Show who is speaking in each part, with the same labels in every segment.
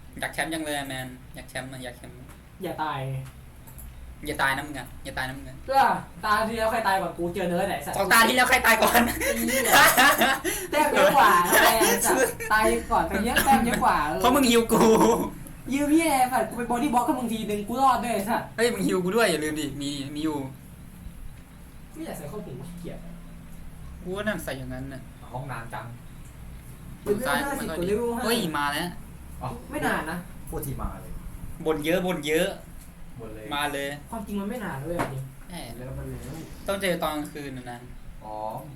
Speaker 1: อยากแชมป์ยังเลยแมนอยากแชมป์อยากแชมป์
Speaker 2: อย่าตาย
Speaker 1: อย่าตายนะมึงอ่ะอย่าตายนะมึงอ่ะ
Speaker 2: เพื่อตาที่แล้วใครตายก่อนกูเจอเนื้อไหนสัตว์
Speaker 1: สองตาที่แล้วใครตายก่อน
Speaker 2: แต้มเยอะกว่าทำไมสัตว์ตายก่อนไปเยอะแต้มเยอะกว่า
Speaker 1: เพราะมึงฮิวกู
Speaker 2: ยืมพี่แอร์สัตว์กูไปบอดี้บล็อกกับมึงทีนึงกูรอดด้วยสัตว์
Speaker 1: เฮ้ยมึงฮิวกูด้วยอย่าลืมดิมีอยู่
Speaker 2: ไม่อยากใส่ข้อผูกขี้เกียจ
Speaker 1: กูว่านั่นใส่อย่างนั้นน่ะ
Speaker 3: ห้องน้ำจัง
Speaker 1: ซ้ายมันก็ดีเฮ้ยมาแล้ว
Speaker 2: ไม่นานนะ
Speaker 3: พูดที่มาเลย
Speaker 1: บ่นเยอะ
Speaker 3: หมดเลย
Speaker 1: มาเลย
Speaker 2: ความจริงมันไม่นานเลยจริง
Speaker 1: แหม
Speaker 3: แล้วมันเร็ว
Speaker 1: ต้องเจอตอนกลางคืนนะ
Speaker 3: อ๋อ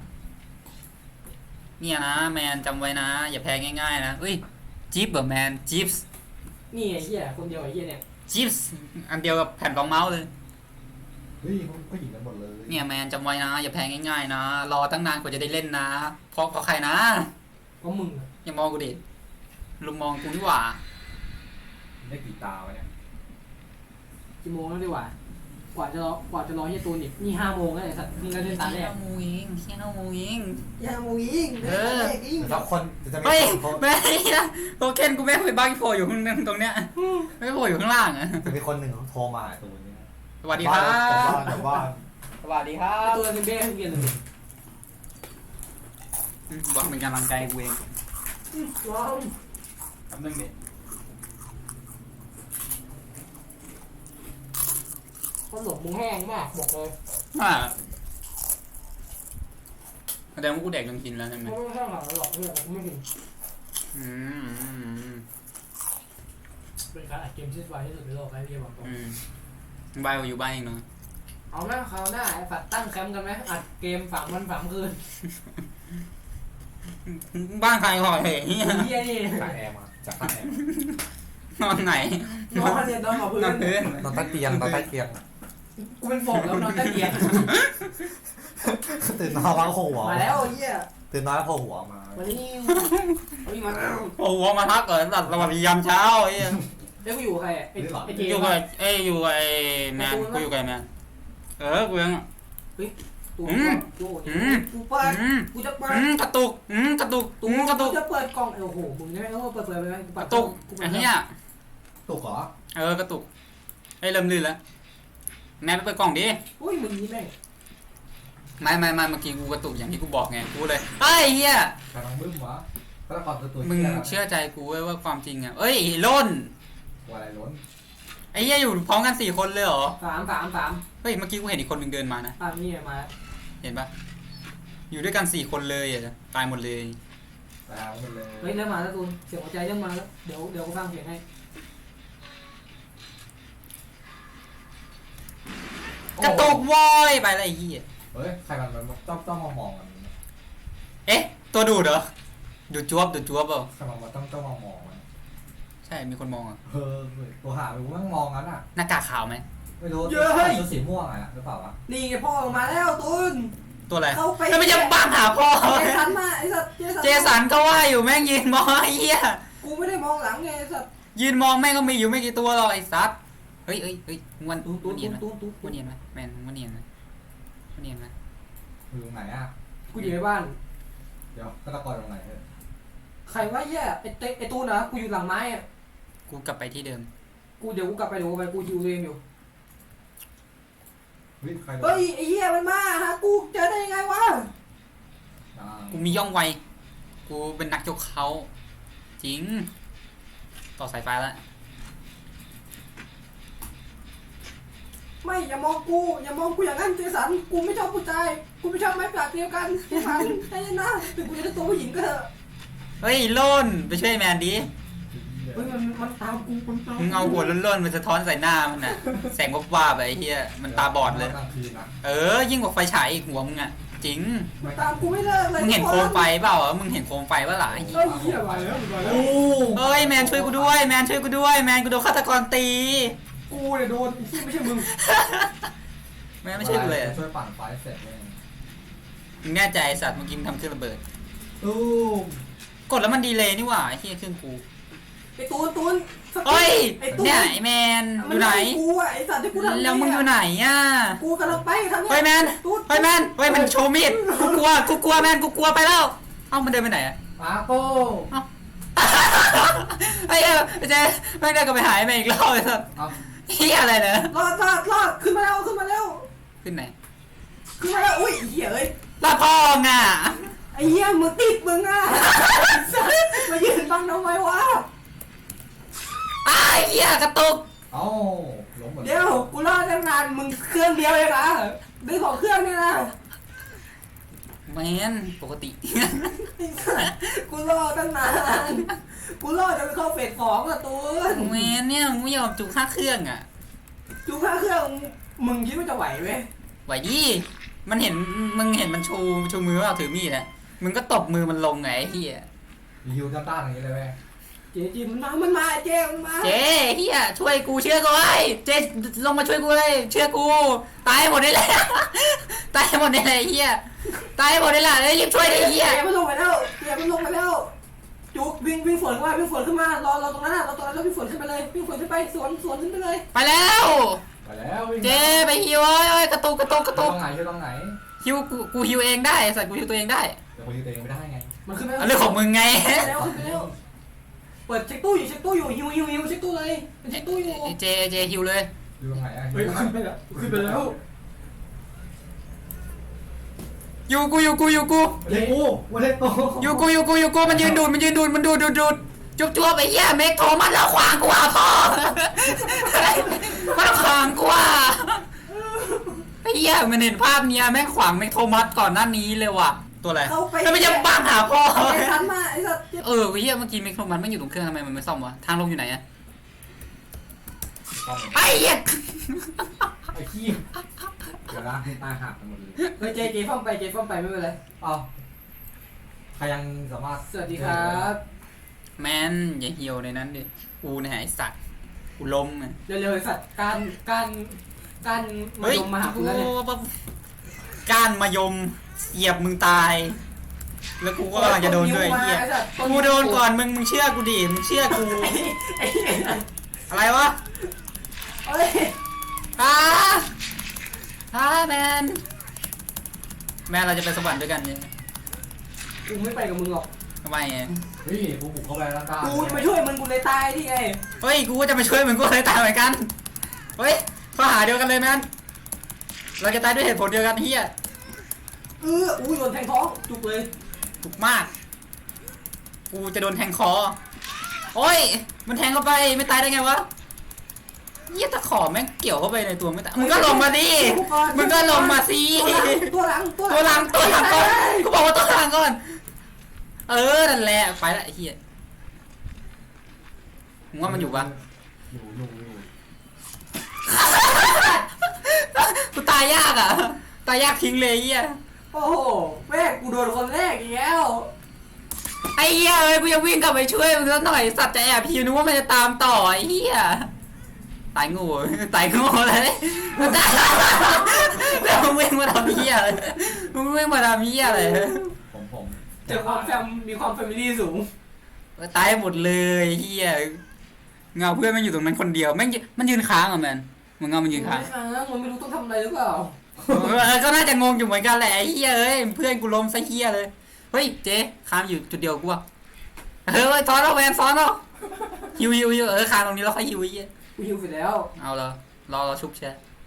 Speaker 1: เนี่ยนะแมนจำไว้นะอย่าแพ้ง่ายๆนะเฮ้ยจิ๊บเหรอแมนจิ๊บ
Speaker 2: นี่ไอ้เหี้ยคนเดียวไอ้เหี้ยเนี่ย
Speaker 1: จิ๊บอันเดียวกับแผ่นรองเมาส์เลย
Speaker 3: เฮ้ยเขาหญิงกันหมดเลย
Speaker 1: เนี่ยแมนจำไว้นะอย่าแพ้ง่ายๆนะรอตั้งนานกว่าจะได้เล่นนะเพราะใครนะ
Speaker 2: เพราะมึง
Speaker 1: อย่ามองกูดิลุมมองกูดีกว่า
Speaker 3: ได้กี่ตาวะเนี่ย
Speaker 2: กี่โมงแล้วดีกว่ากว่าจะรอเฮียตูนอีกนี่5 โมงแล้วไอ้สัตว์มึงก็เล่นตาแรก
Speaker 1: 5 โมงเอง5 โมงเอง
Speaker 2: 5 โมงยิง
Speaker 3: แต่คนจะไม่
Speaker 1: เฮ้ย
Speaker 3: คน
Speaker 1: แม่นะโทเค็นกูแม่งไปบ้านโผล่อยู่ตรงเนี้ยไม่โผล่อยู่ข้างล่างอะ
Speaker 3: จะมีคนหนึ่งโทรมาตัวนี้
Speaker 1: สวัสดีครับ
Speaker 3: แต่ว่า
Speaker 1: สวัสดีครั
Speaker 2: ไอ้
Speaker 1: บ
Speaker 2: ตัวนึงเบ้ให้เรียนเลย
Speaker 1: บอกเป็นกำลังใจกูเอง
Speaker 2: ว้าว
Speaker 1: แป๊บนึงดิ
Speaker 2: ขนมมึงแห้งมากบอกเลย
Speaker 1: แสดงว่ากูแดกจนกินแล้วใช่ไหม
Speaker 2: ไม่แห้งหรอกหรอกเนี่ยกูไม่กิน
Speaker 1: อืม
Speaker 2: เป็นการอัดเกมที่สบายที่สุดในโลกไอ้พี่บอกตรง
Speaker 1: บ้านอยู่บ้านเองเนาะ
Speaker 2: เอาไหมคราวหน้าไอ้ฝัดตั้งแคมป์กันไหมอัดเกม3 วัน 3 คืน
Speaker 1: บ้านใครหอยเฮีย
Speaker 2: เฮียนี่
Speaker 3: จากแอร์มาจากข้างแอร์
Speaker 1: นอนไหน
Speaker 2: นอนมาเรียนนอนกับพื้
Speaker 1: นอน
Speaker 2: น
Speaker 1: พื้น
Speaker 3: นอนใต้เตียงนอนใต้เตียง
Speaker 2: กูเป็นโฟกแล้วนอนใต้เตียง
Speaker 3: ตื่นนอนแล้วโผล่หัว
Speaker 2: มาแล้วเฮีย
Speaker 3: ตื่นนอนแล้วโผล่หัวมา
Speaker 2: วันนี้มาแล้ว
Speaker 1: โอ้โหมาทักเกิดตัดสวัสดียามเช้าไอ้เหี้ย
Speaker 2: แล้วกูอยู่กับใครไอ้เจ
Speaker 1: อยู่
Speaker 2: ม
Speaker 1: กับอยู่กับไอ้แมนกูอยู่กับไอ้แมนกูยัง
Speaker 2: ตัวกูเปิดกูจะเปิด
Speaker 1: กระตุกกระตุก
Speaker 2: ก
Speaker 1: กระตุก
Speaker 2: จะเปิดกล่องโอ้โหมึงใช่ไหมเปิดไปไหม
Speaker 1: กระตุกไอ้เหี้ย
Speaker 3: ตุกเหรอก
Speaker 1: ระตุกไอ้เริ่มลื่นแล้วแมนไปเปิดกล่องดิ
Speaker 2: อุ้ยมึงนี่แม่ง
Speaker 1: ไม่เมื่อกี้กูกระตุกอย่างที่กูบอกไงกูเลยไอ้เหี้ย
Speaker 3: กำลังบึ้มวะก็แล้วก่อนตัว
Speaker 1: มึงเชื่อใจกูเว้ยว่าความจริงอ่ะเอ้ยล้น
Speaker 3: ว่าอะไรล้น
Speaker 1: ไอ้เหี้ยอยู่พร้อมกัน4 คนเลยเหรอ
Speaker 2: 3
Speaker 1: เฮ้ยเมื่อกี้กูเห็นอีกคนนึงเดินมานะ
Speaker 2: นี่มา
Speaker 1: เห็นปะอยู่ด้วยกัน4 คนเลยอ่ะตายหมดเลย
Speaker 3: แล้วมันเลย
Speaker 2: เฮ้ยเริ่มมาแล้วตูนเสียงหัวใจเริ่มมาแล้วเดี๋ยวกูฟังเสียงให้
Speaker 1: กระตุกวอยไปอะไรไอ้เหี้ย
Speaker 3: เฮ้ยใครมันต้องมองกัน
Speaker 1: เอ๊ะตัวดูดเหรอดูดจวบเปล่า
Speaker 3: ใครมันต้องมองมัน
Speaker 1: ใช่มีคนมองอ่ะ
Speaker 3: ตัวหาไปกูนั่งมองงั้นอ่ะ
Speaker 1: หน้ากากขาวไหม
Speaker 3: ไม่รู้ตัวสีม่วงอ่ะหรือเปล่าวะ
Speaker 2: นี่ไงพ่อมาแล้วตูน
Speaker 1: ตัวอะไร
Speaker 2: เข้าไป
Speaker 1: แล้วไม่จะบังหาพ่อ
Speaker 2: เจสันมาไอ้สัตว์
Speaker 1: เจสันก็ว่าอยู่แม่งยืนมองไอ้เหี้ย
Speaker 2: กูไม่ได้มองหลังไงไอ้สัตว์
Speaker 1: ยืนมองแม่งก็มีอยู่ไม่กี่ตัวหรอกไอ้สัสเฮ้ยมัน
Speaker 2: ตูน
Speaker 1: เนียนไหมมันเนียนไหมแมนมันเนียนไหม
Speaker 3: อยู่ตรงไหนอ่ะ
Speaker 2: กูอยู่ในบ้าน
Speaker 3: เดี๋ยวก็ตะกอนตรงไหน
Speaker 2: ใครว่าแย่ไอ้ตูนนะกูอยู่หลังไม้อ่ะ
Speaker 1: กูกลับไปที่เดิม
Speaker 2: เดี๋ยวกูกลับไปกูฮิวเองอยู่
Speaker 3: ใคร
Speaker 2: เฮ้ยไอ้เหี้ยมันมาฮะกูเจอได้ยังไงวะ
Speaker 1: กูมีย่องไวกูเป็นนักยกเขาจริงต่อสายไฟแล้ว
Speaker 2: ไม่อย่ามองกูอย่างนั้นเจสันกูไม่ชอบผู้ชายกูไม่ชอบไม้ปากเดียวกันเจสันใจเย็นนะถึงกูจะได้ตัวผู้หญิงก็เถอะ
Speaker 1: เฮ้ยโล่นไปช่วยแมนดิ
Speaker 2: เฮ้ยมันตามกูมันตาม
Speaker 1: มึงเอาหัวล้นๆมันสะท้อนใส่หน้ามันน่ะแสงวับๆไปไอ้เหี้ยมันตาบอดเลยยิ่งกว่าไฟฉายอีกหัวมึงอ่ะจริง
Speaker 2: มันตามกูไม่เลิกเลย
Speaker 1: มึงเห็นโคมไฟเปล่ามึงเห็นโคมไฟป่ะล่ะ
Speaker 2: เฮ้ยเหี้ยมาแล้ว
Speaker 1: เฮ้ยแมนช่วยกูด้วยแมนกูโดนฆาตกรตี
Speaker 2: กูเนี่ยโดนที่ไม่ใช่มึง
Speaker 1: แมนไม่ช่วยกูเลย
Speaker 3: ช่วยปั่นไฟเสร็จเลย
Speaker 1: มึงแน่ใจสัตว์เมื่อกี้มึงทำเครื่องระเบิด
Speaker 3: ตู้
Speaker 1: กดแล้วมันดีเลยนี่หว่าไอ้เหี้ยเครื่องกู
Speaker 2: ไอ้ตูน
Speaker 1: เฮ้ยเนี่ยไอ้แมนอยู่ไหน
Speaker 2: กูอ่ะไอ้สัตว์ที่กูทำ
Speaker 1: แล้วมึงอยู่ไหนอ่ะ
Speaker 2: กูกำลังไปทางนี้
Speaker 1: เฮ้ยแมนมันโชว์มีดกูกลัวแมนกูกลัวไปแล้วเอ้ามันเดินไปไหนอ่ะ
Speaker 3: มาโป้
Speaker 1: เอ้าไอ้เหี้ยเจ๊แม่งได้ก็ไปหายมาอีกรอบเลยสัส
Speaker 3: เอ้า
Speaker 1: เหี้ยอะไรเนี่ย
Speaker 2: รอดขึ้นมาแล้วขึ้นมาแล้ว
Speaker 1: ขึ้นไหน
Speaker 2: ขึ้นมาแล้วอุ้ยเหี้ยเอ้ย
Speaker 1: ลาดพ่อไง
Speaker 2: ไอ้เหี้ยมึงติดมึงอ่ะมายืนบังทำไมวะ
Speaker 1: ไอ้เหี้ยกระตุก
Speaker 3: เอ้าล้มหมด
Speaker 2: เดี๋ยวกูรอดตั้งนานมึงเครื่องเดียวเองนะดึงของเครื่องนี่นะ
Speaker 1: แมนปกติ
Speaker 2: กูรอตั้งนานกูรอจนเข้าเฟสของอะตูน
Speaker 1: แมนเนี่ยมึงไม่ยอมจุกค่าเครื่องอ่ะ
Speaker 2: จุกค่าเครื่องมึงคิดว่าจะไหวไหม
Speaker 1: ไหวดิมันเห็นมึงเห็นมันชูมือว่าถือมีดนะมึงก็ตบมือมันลงไงไอ้เหี้ย
Speaker 3: มีฮิวจ้าต้านอย่างนี้เลยแม่
Speaker 2: เจ๊มันมาเจ๊มันมา
Speaker 1: เจ๊เหี้ยช่วยกูเชื่อกูไว้เจ๊ลงมาช่วยกูเลยเชื่อกูตายหมดได้เลย ตายหมดได้เลยไอ้เหี้ยตายหมดได้ละเลยรีบช่วยดิไอ้เหี้ย
Speaker 2: เจ๊มันลงไปแล้วจุกวิ่งฝนขึ้นมารอตรงนั้นอะรอตรงนั้นแล้ววิ่งฝนขึ้นไปเลยวิ่งฝนขึ้นไปสวนขึ้นไปเลย
Speaker 1: ไปแล้ว
Speaker 3: ไปแล้ววิ่ง
Speaker 1: เจ๊ไปฮิวเอ้ยกระตุก
Speaker 3: ช่วยตรงไหนช่วยตรงไหน
Speaker 1: ฮิวกูฮิวเองได้สัตว์กูฮิวตัวเองได้
Speaker 3: แต่คนฮิวตัวเองไม่ได้ไง
Speaker 2: มันขึ้นไป
Speaker 1: เอาเรื่องของมึงไง
Speaker 2: แล้วขึ้นไปแล้วเปิดเช็คตู้อยู่ฮิวเช็คตู้เลยมันเช็คตู้อยู่
Speaker 1: เจฮิวเลย
Speaker 3: อยู่ตรงไหนอ่ะ
Speaker 2: เฮ้ยขึ้นไปแล้ว
Speaker 1: อยู่กู
Speaker 3: เล็กกูวันเล็กโต
Speaker 1: อยู่กูมันยืนดูดมันดูดจุ๊บไอ้เหี้ยเมกโทรมันแล้วขวางกูอ่ะพ่อ มันขวางกูอ่ะไอ้เหี้ยมันเห็นภาพเนี้ยแม่งขวางเมกโทมัสก่อนหน้านี้เลยว่ะตัวอะไรแล้วมันยังบังหาพ่อ
Speaker 2: ไอ้ทันมาไอ้สัตว์
Speaker 1: เออไอ้เหี้ยเมื่อกี้เมกโทมัสไม่อยู่ตรงเครื่องทำไมมันไม่ซ่อมวะทางลงอยู่ไหนอะไอ้เหี้ย
Speaker 3: ไอ้ขี้เดี๋ยวนะให้ตายหักกันหมดเลย
Speaker 2: เฮ้ยเจฟ้องไปไม่เป็นไร
Speaker 3: เอ้าใครยังสามารถ
Speaker 2: สวัสดีครับ
Speaker 1: แมนอย่าเหี่ยวในนั้นดิกูเนี่ยไอ้สัตว์กูล้มไง
Speaker 2: เร็วๆไอ้สัตว์การมาลงมาหาคุณแล้วเนี่ย
Speaker 1: ก้านมายมเสียบมึงตาย แล้วกูก็กำลังจะโดนด้วยไอ้เหี้ยกูโดนก่อนมึงเชื่อกูดิมึงเชื่อกู
Speaker 2: ไอ้เหี้ย
Speaker 1: อะไรวะ
Speaker 2: เอ้ย
Speaker 1: แมนเราจะไปสวรรค์ด้วยกันเนี่ย
Speaker 2: กูไม่ไปกับมึงหรอก
Speaker 1: ทำไมอะ
Speaker 3: เฮ้ยกูบุกเข้าไปแล้วต้าน
Speaker 2: กูจะไปช่วยมึงกูเลยตายที่ไง
Speaker 1: เฮ้ยกูก็จะไปช่วยมึงกูเลยตายเหมือนกันเฮ้ยข้อหาเดียวกันเลยแมนเราจะตายด้วยเหตุผลเดียวกันเฮีย
Speaker 2: อุ้ยโดนแทงท้องจุกเลย
Speaker 1: ถูกมากกูจะโดนแทงคอโอ้ยมันแทงเข้าไปไม่ตายได้ไงวะเหี้ยตะขอแม่งเกี่ยวเข้าไปในตัวไม่ตายมึงก็ลงมาดิมึงก็ลงมาสิ
Speaker 2: ตัวหลัง
Speaker 1: ตัวหลังก่อนกูบอกว่าตัวหลังก่อนนั่นแหละไปละไอ้เหี้ยมึงว่ามันอยู่ปะ
Speaker 3: อยู่
Speaker 1: กูตายยากอ่ะตายยากทิ้งเลยไอ้เหี้ย
Speaker 2: โอ้โหแม่กูโดนคนแรกอีกแล้ว
Speaker 1: ไอ้เหี้ยเอ้ยกูยังวิ่งกลับไปช่วยมึงสักหน่อยสัตว์จะแอบพิวนึกว่ามันจะตามต่อไอ้เหี้ยตายงูเลยแล้วมึงวิ่งมาทำเหี้ยอะไรมึงวิ่งมาทำเหี้ยอะไร
Speaker 3: ผม
Speaker 2: เจอความมีความแฟมิลี่สูง
Speaker 1: ตายหมดเลยเหี้ยเงาเพื่อนมันอยู่ตรงนั้นคนเดียวมันยืนค้างอ่ะแมนมึงเงามันยืนค้าง
Speaker 2: มันไม่รู้ต้องทำอะไรหรือเปล่า
Speaker 1: ก็น่าจะงงอยู่เหมือนกันแหละไอ้เหี้ยเอ้ยเพื่อนกูล้มซะเหี้ยเลยเฮ้ยเจ๊ค้างอยู่จุดเดียวกูอ่ะซ้อนเอาแมนซ้อนเอาฮิวค้างตรงนี้แล้วค่อยฮิวไอ้เหี้ย
Speaker 2: กูหิวไปแล้ว
Speaker 1: เอาเลยรอชุบแช่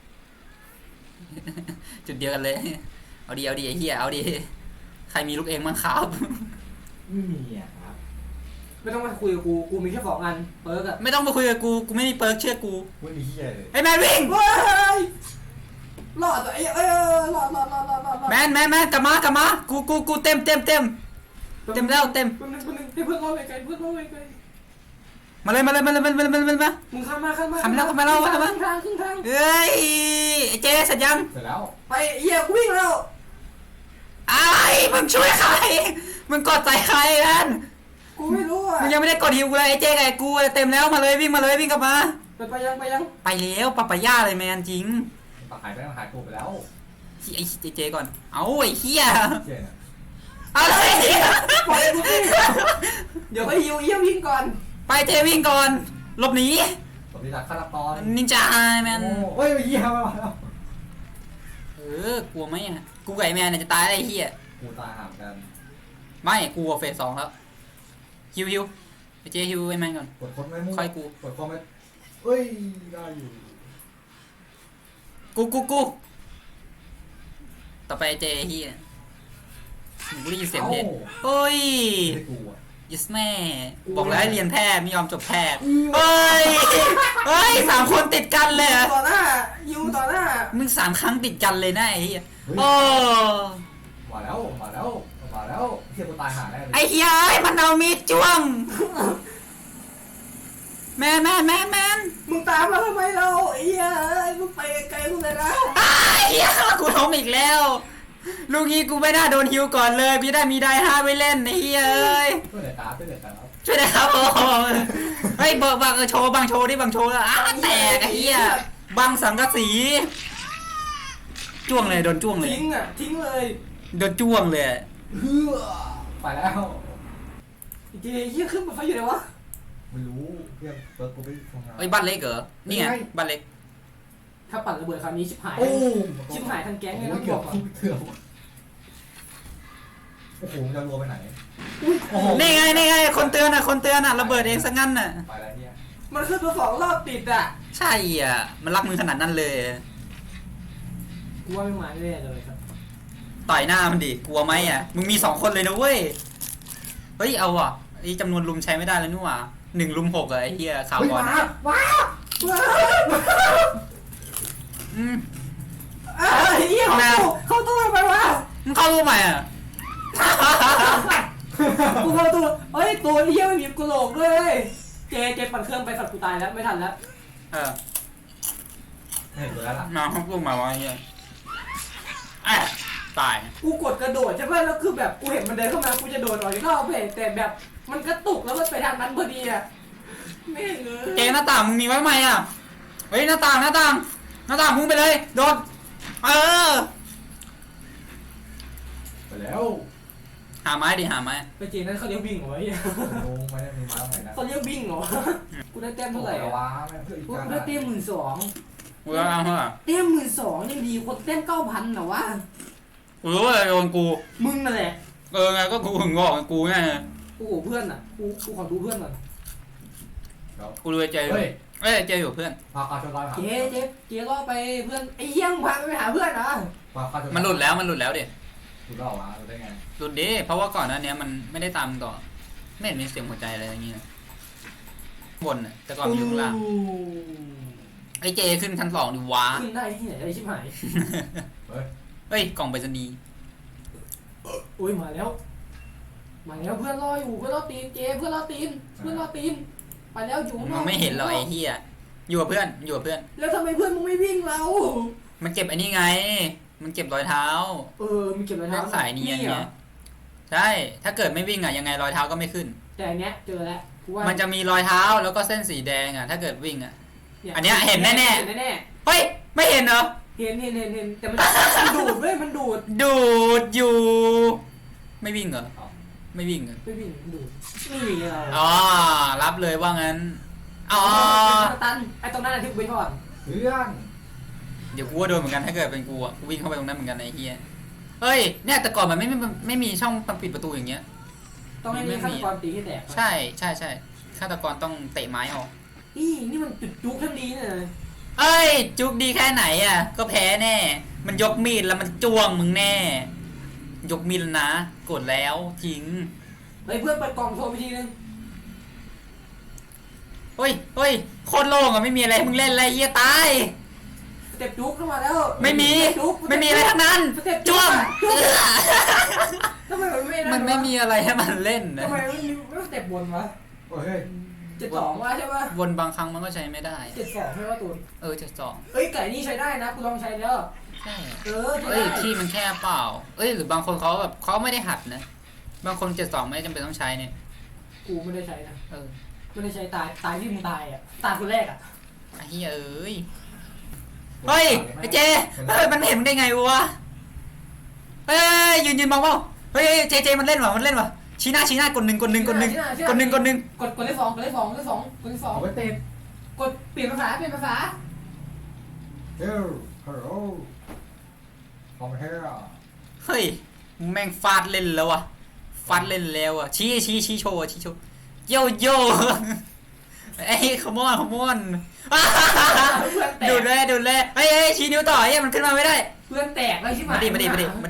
Speaker 1: จุดเดียวกันเลยเอาดิไอ้เหี้ยเอาดิใครมีลูกเองมั้งครับ
Speaker 3: ไม่มีอ่ะครับ
Speaker 2: ไม่ต้องมาคุยกับกูมีแค่2 อันเปิร์กอะ
Speaker 1: ไม่ต้องมาคุยกับกูไม่มีเปิร์กเชื่อกู
Speaker 3: ไม่มีเหี้ยเลย
Speaker 1: ไอ้แมนวิ่ง
Speaker 2: เฮ้ยรอดตัวรอด
Speaker 1: แมนกลับมากูเต็มแล้วเต็ม
Speaker 2: เพื่อนรอไปไกล
Speaker 1: มาเลยมา
Speaker 2: มึงข้ามมา
Speaker 1: ข้ามแล้ว
Speaker 2: ครึ่งทาง
Speaker 1: เฮ้ยไอ้เจ๊เสร็จยัง
Speaker 3: เสร็จแล้ว
Speaker 2: ไปเหี้ยกูวิ่งแล้ว
Speaker 1: ไอ้มึงช่วยใครมึงกดใจใครนั่น
Speaker 2: กูไม่รู้อ่ะ
Speaker 1: มึงยังไม่ได้กดฮิวกูเลยไอ้เจ๊ไอ้กูเต็มแล้วมาเลยวิ่งกลับมา
Speaker 2: ไปยัง
Speaker 1: ไปแล้วปะปะย่าเลยแมนจริง
Speaker 3: หายไปแล้วหายตัวไปแล้ว
Speaker 1: ไอ้เจ๊ก่อนเอาไอ้เหี้ย
Speaker 3: เจ๊เนี่ย
Speaker 1: อะไร
Speaker 2: ปล่อยกูวิ่งเดี๋ยวไปหิวเยี่ยมวิ่งก่อน
Speaker 1: ไปเจ๊วิ่งก่อนหลบหนี
Speaker 3: สมศักดิ์ฆาตกร
Speaker 1: นินจาแมน
Speaker 3: โอ้ยเหี้ยมาแล้ว
Speaker 1: กลัวไหมอ่ะกูกับไอ้แมนเนี่ยจะตายอะไรเหี้ย
Speaker 3: กูตายห่างกัน
Speaker 1: ไม่กูเฟส 2แล้วฮิวเจฮิวไอ้แมนก่อน
Speaker 3: กดคนไม่มุ่ง
Speaker 1: ค่อยกู
Speaker 3: กดคอมไม่เอ้ยได้อยู่
Speaker 1: กูต่อไปเจเฮียกูได้ยินเสียงเพลงเฮ้ย
Speaker 3: ไม่กูอ่ะ
Speaker 1: ยิสแม่บอกแล้วให้เรียนแพทย์ไม่ยอมจบแพทย์เฮ้ยเฮ้ย3 คนติดกันเลยอะ
Speaker 2: ต่อหน้ายูต่อหน้า
Speaker 1: มึง3 ครั้งติดกันเลยนะไอ้เหี้ยโอ้
Speaker 3: มาแล้วเทียบกูตายหาได้เลย
Speaker 1: ไอ้เหี้ยไอ้มันเอามีดจ้วงแมน
Speaker 2: มึงตามมาทำไมเราไอ้เหี้ยมึงไปไกลกูเลยนะ
Speaker 1: ไอ้เหี้ยกูล้มอีกแล้วลูกนี้กูไม่น่าโดนฮิวก่อนเลยพี่ได้มีได้5ไว้เล่นไอ้เหี้ยเอ้ย
Speaker 3: ช่วยเหลือการครับ
Speaker 1: ช่วยนะครับโอ้โหเฮ้ยบังโชว์บังโชว์ดิบังโชว์แล้วแตกไอ้เหี้ยบังสังกะสีจ้วงเลยโดนจ้วงเลย
Speaker 2: ทิ้งเลย
Speaker 1: โดนจ้วงเลย
Speaker 3: เฮือไปแล้ว
Speaker 2: เจเหี้ยขึ้นมาไฟอยู่ไหนวะ
Speaker 3: ไม่รู้เพื่อนเปิดกูไปทำงาน
Speaker 1: เอ้ยบ้านเล็กเหรอนี่ไงบ้านเล็ก
Speaker 2: ถ้าปั่นระเบิดคราวนี้ชิบหาย
Speaker 3: โอ้
Speaker 2: ชิบหายทั้งแก๊งเลยนะ
Speaker 3: เกื
Speaker 2: บ
Speaker 3: อ
Speaker 2: อบ ก
Speaker 3: เกือบโอ้โหจะรัวไปไหน
Speaker 1: นี่ไงคนเตือนอ่ะระเบิดเองซะงั้นน่ะ
Speaker 3: ไปแล้วเนี่ย
Speaker 2: มันขึ้นมา2 รอบติดอ่ะ
Speaker 1: ใช่อ่ะมันรักมือขนาดนั้นเลย
Speaker 2: กูว่าไม่มาแน่เลยครับ
Speaker 1: ต่อยหน้ามันดิกลัวไหมอ่ะมึงมี2 คนเลยนะเว้ยเฮ้ยเอาอ่ะไอ้จำนวนลุมใช้ไม่ได้แล้วนี่หว่า1 ลุม 6อ่ะไอ้เหี้ยข่าวบอล
Speaker 2: ว้าว
Speaker 1: อืม
Speaker 2: เหี้ยเข้าตู้ไปวะ
Speaker 1: มึงเข้ารู้ไหมอ่ะ
Speaker 2: กูเข้าตู้เฮ้ยตัวเหี้ยไม่มีกระโหลกด้วยเจปั่นเครื่องไปสัตว์กูตายแล้วไม่ทันแล้ว
Speaker 1: เออ
Speaker 3: เห็นแล้วล่ะ
Speaker 1: มาเข้ารู้มาวะไอ้เหี้ยอ่ะตาย
Speaker 2: กูกดกระโดดใช่ไหมแล้วคือแบบกูเห็นมันเดินเข้ามากูจะโดดออกจากนอกเพจแต่แบบมันกระตุกแล้วมันไปทางนั้นพอดีอ่ะไม่เงย
Speaker 1: เจหน้าต่างมึงมีไว้ไหมอ่ะเฮ้ยหน้าต่างพุ่งไปเลยโดดเออ
Speaker 3: ไปแล้ว
Speaker 1: หาไม้ดิหาไม้
Speaker 2: ไปเจนั้นเขาเรียกวิ่งเหรอไอ้เหี้ย
Speaker 3: ลงไม่ได้มีมาตรงไหนนะ
Speaker 2: เขาเรียกวิ่งเหรอกูได้แต้มเท่าไหร่
Speaker 3: อะ
Speaker 2: อะ
Speaker 3: วะแม่เพื่อนอีก
Speaker 2: กู
Speaker 3: การ
Speaker 2: ได้เต้ม12,000
Speaker 1: กูจะเอาเท่าไหร่
Speaker 2: เต้ม12,000ยังดีคนเต้ม9,000เหรอวะ
Speaker 1: กูรู้อะไรโดนกู
Speaker 2: มึงนั่นแหละ
Speaker 1: ไงก็กูถึงบอกกูไง
Speaker 2: โอ้โหเพื่อนอ่ะกูขอดูเพื่อนหน่อย
Speaker 1: กูรู้ไอ้เจอยู่
Speaker 3: เฮ้ย
Speaker 1: เอ้ยเจอยู่เพื่อน
Speaker 3: พาคาชนร้อยหา
Speaker 2: เจ๊ล่อไปเพื่อนไอ้เหี้ยมึงพาไปหาเพื่อนเหรอ
Speaker 3: พาคาชน
Speaker 1: มันหลุดแล้วดิ
Speaker 3: หลุดแล้ววะหลุดได้ไง
Speaker 1: หลุดดิเพราะว่าก่อนหน้านี้มันไม่ได้ตามต่อไม่เห็นมีเสียงหัวใจอะไรอย่างเงี้ยบนน่ะแต่ก่อนมันอยู่ข้างล่างไอ้เจขึ้นชั้น2ดิว้า
Speaker 2: ขึ้นได้ที่ไหนได้ชิบหาย
Speaker 3: เฮ้ย
Speaker 1: เฮ้ยกล่องไปรษณีย์
Speaker 2: อุ้ยมาแล้วเพื่อนรออยู่เพื่อนรอตีนเจเพื่อนรอตีนไปแล้วอยู่
Speaker 1: มันไม่เห็นหรอกไอ้เหี้ยอยู่กับเพื่อน
Speaker 2: แล้วทำไมเพื่อนมึงไม่วิ่งเรา
Speaker 1: มันเก็บไอ้นี่ไง มันเก็บรอยเท้า
Speaker 2: มีเก็บรอย
Speaker 1: เลื
Speaker 2: เท้า
Speaker 1: อกสายเนียน
Speaker 2: เหร
Speaker 1: ไง
Speaker 2: อ
Speaker 1: ใช่ ถ้าเกิดไม่วิ่งอ่ะยังไงรอยเท้าก็ไม่ขึ้น
Speaker 2: แต่อันเนี้ยเจอแล้วกูว่า
Speaker 1: มันจะมีรอยเท้าแล้วก็เส้นสีแดงอ่ะถ้าเกิดวิ่งอ่ะ
Speaker 2: ย
Speaker 1: อันเนี้ยเห็นแน่ๆ
Speaker 2: เห็นแน่
Speaker 1: เฮ้ยไม่เห็นเหรอ
Speaker 2: ๆเห็นแต่มันดูดเว้ยมันดูด
Speaker 1: ดูดอยู่ ไม่วิ่งเหรอไม่วิ่งเหรอ
Speaker 2: ไม่วิ่งมันดูดนี่เรา
Speaker 1: อ๋อรับเลยว่างั้นอ๋อ
Speaker 2: ตันไอ้ตรงนั้นน่ะที่กูไปก่อน
Speaker 3: เพื่อน
Speaker 1: เดี๋ยวกูว่าโดนเหมือนกันถ้าเกิดเป็นกูอ่ะกูวิ่งเข้าไปตรงนั้นเหมือนกันไอ้เหี้ยเฮ้ยเนี่ยแต่ก่อนมันไม่มีช่องปิดประตูอย่างเงี้ย
Speaker 2: ต้องให้มีฆาตกรตีให้แตก
Speaker 1: ใช่ฆาตกรต้องเตะไม้ออก
Speaker 2: นี่มันจุดจุกทั้งดีเนี่ย
Speaker 1: เอ้ยจุกดีแค่ไหนอ่ะก็แพ้แน่ มันยกมีดแล้วมันจ้วงมึงแน่ ยกมีดแล้วนะกดแล้วจริง
Speaker 2: เฮ้ยเพื่อนเปิดกล่องโทรไปทีนึง
Speaker 1: เฮ้ยโคตรโล่งอ่ะไม่มีอะไรให้มึงเล่นอะไรเหี้ยตาย
Speaker 2: สเต็ปจุกเข้ามาแล้ว
Speaker 1: ไม่มีอะไรทั้งนั้น
Speaker 2: สเต็ป
Speaker 1: จ้วง
Speaker 2: ทำไมมันไม่
Speaker 1: มันไม่มีอะไรให้มันเล่นนะ
Speaker 2: ทำไมไม่สเต็ปบนวะ
Speaker 3: โอ้ยเฮ้ย
Speaker 2: 72วะใช่ปะ
Speaker 1: วนบางครั้งมันก็ใช้ไม่ได้
Speaker 2: 72ใช่ปะตูน
Speaker 1: 72
Speaker 2: เอ้ยไก่นี่ใช้ได้นะกูลองใช้แล้ว
Speaker 1: ใช่
Speaker 2: ใช้
Speaker 1: เอ้ย
Speaker 2: ได้
Speaker 1: ที่มันแค่เปล่าเอ้ยหรือบางคนเขาแบบเขาไม่ได้หัดนะบางคน72ไม่จำเป็นต้องใช้เนี่ย
Speaker 2: กูไม่ได้ใช้นะ
Speaker 1: เออ
Speaker 2: ไม่ได้ใช้ตายที่มึงตายอ่ะตายคนแรกอ่ะ
Speaker 1: ไอ้เหี้ยเอ้ยเฮ้ยไอ้เจเฮ้ยมันเห็นมึงได้ไงวะเฮ้ยยืนมองเปล่าเฮ้ยเจมันเล่นวะชี้หน้ากดหนึ่ง
Speaker 2: กดเลขสอง
Speaker 3: เอาไปเตะ
Speaker 2: กดเปลี่ยนภาษา
Speaker 3: เฮ้ยฮัลโหลคอมเฮร่า
Speaker 1: เฮ้ยมึงแม่งฟาดเล่นแล้ววะฟาดเล่นแล้วอ่ะชี้โชว์โยโย่ไอ้ขมอน
Speaker 2: เพื่อนแต
Speaker 1: ดู
Speaker 2: ก
Speaker 1: ดเลยเฮ้ยชี้นิ้วต่อมันขึ้นมาไม่ได้
Speaker 2: เพื่อนแตกแล้วใช่ไหม
Speaker 1: มาดิ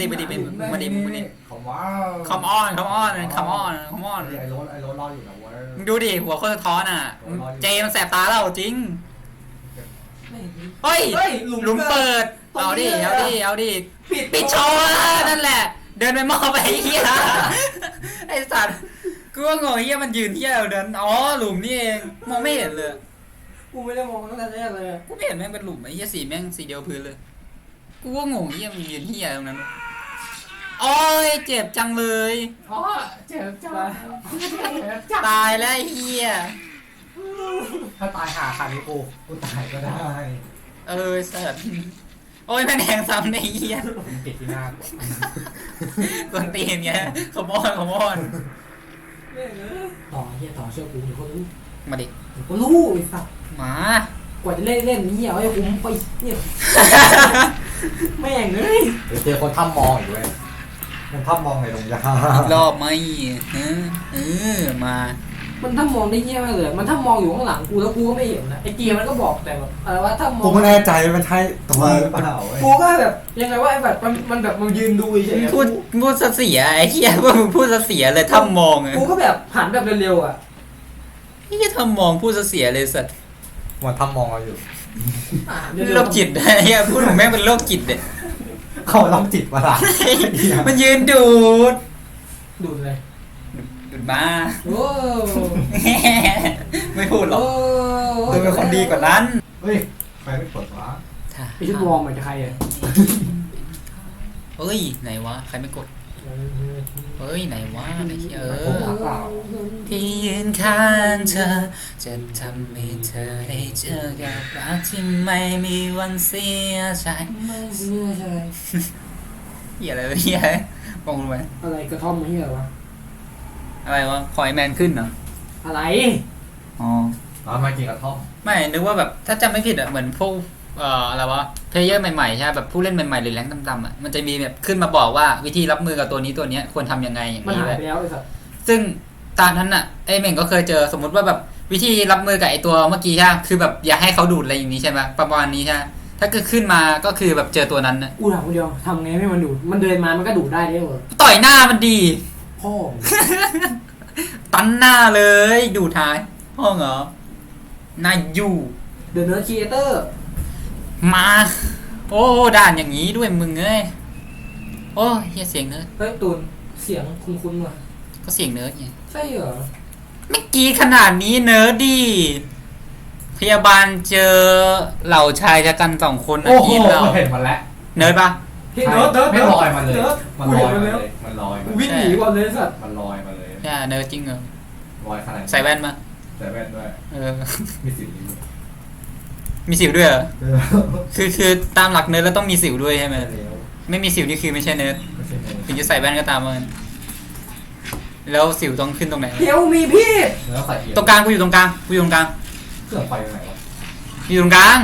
Speaker 3: ผมว่า
Speaker 1: come on
Speaker 3: ไอ้รถรออยู่นะเว้ย
Speaker 1: มึงดูดิหัวโคตรสะท้อนอ่ะเจมันแสบตาเราจริงเฮ้ยหลุมเปิดเอาดิปิดโชว์นั่นแหละเดินไปมอบไปไอ้เหี้ยไอ้สัตว์กูว่างงเหี้ยมันยืนเหี้ยเดินอ๋อหลุมนี่เองมองไม่เห็นเลย
Speaker 2: กูไม่ได้มองตั้งแต่แรกเลย
Speaker 1: กูไม่เห็นแม่งเป็นหลุมไอ้เหี้ยสีแม่งสีเดียวพื้นเลยกูว่างงเหี้ยมันยืนเหี้ยตรงนั้นโอ้ยเจ็บจังเลย
Speaker 3: อ๋อเจ็บจัง
Speaker 1: ตายแล้วไอ้เหี้ย
Speaker 3: ถ้าตายหาขาดนี้กูตายก็ได้
Speaker 1: สัตว์โอ้ยแม่งแทงซ้ำในเหี้ย
Speaker 3: ผมติดที่หน้ากู
Speaker 1: กวนตีนไงขโมย
Speaker 2: ต่อเฮียต่อเชื่อกูเดี๋ยวก็รู้
Speaker 1: มาดิ
Speaker 2: เดี๋ยวก็รู้ไอ้สัส
Speaker 1: มาก
Speaker 2: ว่าจะเล่นเฮียไอ้คุ้มไปเนี่ยแม่งเลย
Speaker 3: เดี๋ยวเจอคนถ้ำมองอีกเว้ยมันถ้ำมองในตรงยาร
Speaker 1: อบไหมมา
Speaker 2: มันถ้ามองได้เฮียมากเลยมันถ้ามองอยู่ข้างหลังกูแล้วกูก็ไม่เห็นนะไอ้เกียร์มันก็บอกแต่แบบอะไรว่าถ้ามอง
Speaker 3: กูไม่แน่ใจมันใช่ตัวหรือเปล่าเว้ย
Speaker 2: กูก็แบบยังไงว่าไอ้แบบมันแบบมันยืนดูเฉยๆ
Speaker 1: พูดเสียไอ้เหี้ยว่ามึงพูดเสียเลยถ้ามองไง
Speaker 2: กูก็แบบหันแบบเร็วๆอ่ะ
Speaker 1: ไอ้เหี้ยถ้ามองพูดเสียเลยสัตว์
Speaker 3: มันถ้ำมองเราอยู่
Speaker 1: โรคจิตไอ้เหี้ยพูดถึงแม่งเป็นโรคจิตเด็ด
Speaker 3: เขาต้องจิตประหลาด
Speaker 1: มันยืนดูด
Speaker 2: ดูดเลย
Speaker 1: ดูดมา
Speaker 2: โอ้
Speaker 1: ไม่พูดหรอก
Speaker 2: โอ้
Speaker 1: ดูเป็นคนดีกว่านั้น
Speaker 3: เฮ้ยใครไม่เปิดวะ
Speaker 2: ไอ้ชุดวอร์มมันจะใครอ่ะ
Speaker 1: เฮ้ยไหนวะใครไม่กดเฮ้ยไหนวะไอ้เหี้ย
Speaker 3: ผมหาเปล่า
Speaker 1: ที่ยืนข้างเธอจะทำให้เธอได้เจอกับรักที่ไม่มีวันเสียใจ
Speaker 2: ไม่เชื่อใจ
Speaker 1: เหี้ยอะไรวะเหี้ยมองรู้ไหม
Speaker 2: อะไรกระท่อมเฮียวะ
Speaker 1: อะไรวะพอยแมนขึ้นเหรอ
Speaker 2: อะไร
Speaker 1: อ๋อ
Speaker 3: มากินกระท่อม
Speaker 1: ไม่นึกว่าแบบถ้าจำไม่ผิดอะเหมือนพวกอะไรวะเพลเยอร์ใหม่ๆใช่แบบผู้เล่นใหม่ๆหรือแรงต่ำๆอะมันจะมีแบบขึ้นมาบอกว่าวิธีรับมือกับตัวนี้ตัวเนี้ยควรทำยังไงอย่าง
Speaker 2: มัน
Speaker 1: นี้
Speaker 2: หาย
Speaker 1: เลย
Speaker 2: ไปแล้วไอ้สัส
Speaker 1: ซึ่งตามนั้นอะไอเม่งก็เคยเจอสมมติว่าแบบวิธีรับมือกับไอตัวเมื่อกี้ใช่คือแบบอย่าให้เขาดูดอะไรอย่างนี้ใช่ไหมประมาณนี้ใช่ถ้าเกิดขึ้นมาก็คือแบบเจอตัวนั้นนะ
Speaker 2: กูถามคนเดียวทำไงให้มันดูดมันเดินมามันก็ดูดได้ด้วยเหรอ
Speaker 1: ต่อยหน้ามันดี
Speaker 2: พ่อ
Speaker 1: ตันหน้าเลยดูท้ายห้องเหรอนาอยู่
Speaker 2: เดอะเนิร์ดครีเอเตอร์
Speaker 1: มาโอ้ด่านอย่างนี้ด้วยมึงเอ้ยโอ้เฮียเสียงเนิร์ด
Speaker 2: เฮ้ยตูนเสียงคุ้นๆว่ะ
Speaker 1: ก็เสียงเนิร์ดไง
Speaker 2: ใช่เหรอ
Speaker 1: ไม่กี้ขนาดนี้เนิร์ดดีพยาบาลเจอเหล่าชายชะกันสองคนนะ
Speaker 3: โอ้โห
Speaker 1: ทีมเรา
Speaker 3: เห็นมันแล้ว
Speaker 1: เนิร์ดปะ
Speaker 2: เฮ้ยเนิร์ดเนิร์ด
Speaker 3: ไม่ลอยมาเลย
Speaker 2: เนิร์ด
Speaker 3: มัน
Speaker 2: กู
Speaker 3: ล
Speaker 2: เห็
Speaker 3: อน ย
Speaker 2: มัน
Speaker 3: มา
Speaker 2: แล้ว
Speaker 3: เลยมันลอยมา
Speaker 2: วิ่งหนีก่อนเลยสัตว์
Speaker 3: มันลอยมาเลย
Speaker 1: ใช่เนิร์ดจริงเหรอ
Speaker 3: ลอยขนาด
Speaker 1: ใส่แว่นมา
Speaker 3: ใส่แว่นด้วย
Speaker 1: เออ
Speaker 3: มีสิวอยู่
Speaker 1: มีสิวด้วยเหรอ
Speaker 3: เออ
Speaker 1: คือตามหลักเนิร์ดแล้วต้องมีสิวด้วยใช่ไหม
Speaker 3: ไม่แล้ว
Speaker 1: ไม่มีสิวนี่คือไม่ใช่เนิร์ด
Speaker 3: ไม่ใช่เลย
Speaker 1: ถึงจะใส่แว่นก็ตามมันแล้วสิวต้องขึ้นตรงไหน
Speaker 2: เฮลมีพี่
Speaker 3: แล้วใส่เอีย
Speaker 1: ตรงกลางกูอยู่ตรงกลางกูอยู่ตรงกลาง
Speaker 3: เครื่องไฟตรงไหนวะ
Speaker 1: อยู่ตรงกลาง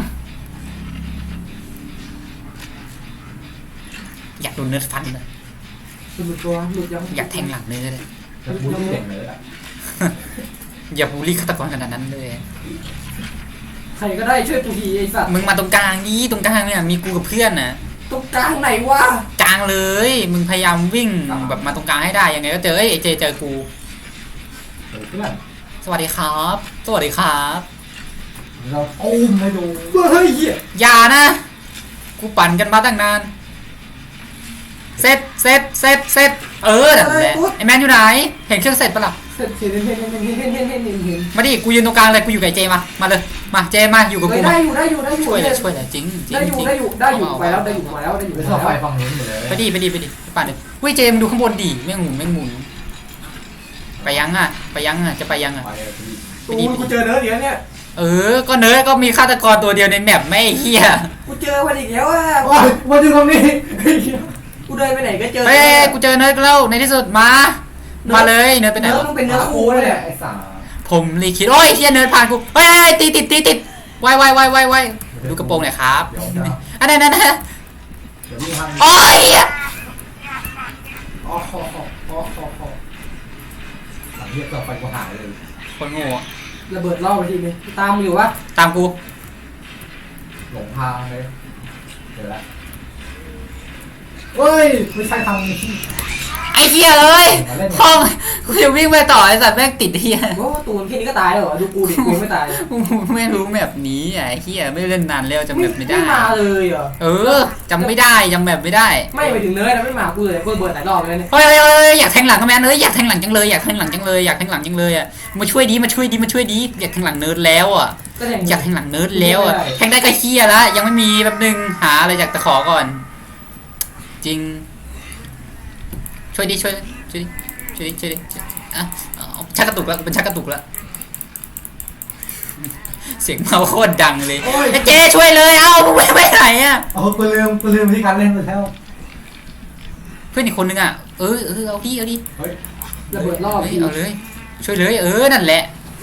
Speaker 1: อยากโดนเนิร์ดฟันเลย
Speaker 2: หลุดตัวหลุดยัง
Speaker 1: อยากแทงหลังเนิร์ดเลย
Speaker 3: จะบูลลี่เด็กเลยอ่ะ
Speaker 1: อย่าบูลลี่ฆาตกรขนาดนั้นเลย
Speaker 2: ใครก็ได้ช่วยกูทีไอ้สัตว์
Speaker 1: มึงมาตรงกลางนี้ตรงกลางเนี่ยมีกูกับเพื่อนนะ
Speaker 2: ตรงกลางไหนวะ
Speaker 1: กลางเลย มึงพยายามวิ่งแบบมาตรงกลางให้ได้ยังไงก็เจอไอ้เจเจอกู
Speaker 3: เพื่อน
Speaker 1: สวัสดีครับ สวัสดีครับ
Speaker 3: เราอุ้มให้ดู
Speaker 2: เฮ้ยเหี้ย
Speaker 1: อย่านะ กูปั่นกันมาตั้งนาน เสร็จนั่นแหละไอแมนอยู่ไหน เห็นเครื่องเสร็จปะล่ะ
Speaker 2: เห็น
Speaker 1: มาดิ กูยืนตรงกลางเลย กูอยู่กับไอ้เจมาเลย มาเจมาอยู่กับกู
Speaker 2: ได้
Speaker 1: มา
Speaker 2: อยู่ได้อยู่
Speaker 1: ช่วยเลยจริง
Speaker 2: ได้อยู่ไปแล้วได้อยู่มาแล้วได้อยู่
Speaker 3: ไม่
Speaker 2: มา
Speaker 3: ชอบไฟ
Speaker 2: แล้ว
Speaker 3: ฝั่งนู้นหมดเลย
Speaker 1: ไปดิไปปั่นเลยเฮ้ยเจมดูข้างบนดิแม่งหมุนไปยังอ่ะจะไปยังอ่ะ
Speaker 3: ไปเลยพี่
Speaker 2: ตูนกูเจอเนิร์ดเดี๋ยวเนี่ย
Speaker 1: ก็เนิร์ดก็มีฆาตกรตัวเดียวในแมปไม่เฮีย
Speaker 2: กูเจอมันอีกแล้วอ่ะ
Speaker 3: มาดูตรงนี้
Speaker 2: กูเดินไปไหนก็เจอ
Speaker 1: เฮ้ยกูเจอเนิร์ดแล้วในที่สุดมาเลยเนิร์ดไปไหน
Speaker 2: เนิร์ด
Speaker 1: วะ
Speaker 2: ต้องเป็นเนื้อคู่เลย
Speaker 3: ไอ้สา
Speaker 1: ผมรีคิดโอ้ยเฮียเนิร์ดผ่านกูเฮ้ยติดไวดูกระโปรงหน่อยครับ
Speaker 3: เดี๋ยวจะ
Speaker 1: อันนั้น
Speaker 3: เดี๋ยวพี่ให้
Speaker 1: โอ้ย
Speaker 3: อ๋อหลังเรียกเกิดไฟกูหายเลย
Speaker 1: คนโง่อะ
Speaker 2: ระเบิดล่อไปทีนึงตามมึงอยู่วะ
Speaker 1: ตามกู
Speaker 3: หลงทางเลยเดี๋ยวละเฮ้ยไม่ใช่ทางนี้
Speaker 1: ไอ้เหี้ยเลยห้องกูจะวิ่งไปต่อไอ้สัตว์แม่งติดเหี้ย
Speaker 2: โอ้ตูนแค่นี้ก็ตายแล้วเหรอดูกูดิกูไม่ตาย
Speaker 1: กูไม่รู้แบบนี้อ่ะไอ้เหี้ยไม่เล่นนานแล้วจำแบบไม่ได้
Speaker 2: ไม่มาเลยเหรอ
Speaker 1: เออจำไม่ได้จำแบบไม่ได้
Speaker 2: ไม่ไปถึงเนื้อนะไม่มากูเลยกูระเบิดหลายรอบเลยเนี่ย
Speaker 1: เฮ้ยอยากแทงหลังก็แม่เอ้ยอยากแทงหลังจังเลยอยากแทงหลังจังเลยอยากแทงหลังจังเลยอ่ะมาช่วยดีอยากแทงหลังเนิร์ดแล้วอ่ะ
Speaker 2: ก็อย่าง
Speaker 1: อยากแทงหลังเนิร์ดแล้วอ่ะแทงได้ก็เหี้ยแล้วยังไม่มีแป๊บนึงหาอะไรจากตะขอก่อน จริงช่วยดิอ่ะชักกระตุกแล้วเป็นชักกระตุกแล้วเสียงเมาโคตรดังเลยไอ้เจ๊ช่วยเลยเอ้ามึงไปไหนอ่ะ
Speaker 3: โอ้กูลืมที่การเล่นไปแล้ว
Speaker 1: เพื่อนอีกคนนึงอ่ะเอาดิ
Speaker 3: เฮ้ย
Speaker 2: ระเบิดรอบ
Speaker 1: เฮ้ย
Speaker 2: ที
Speaker 1: เอาเลยช่วยเลยนั่นแหละ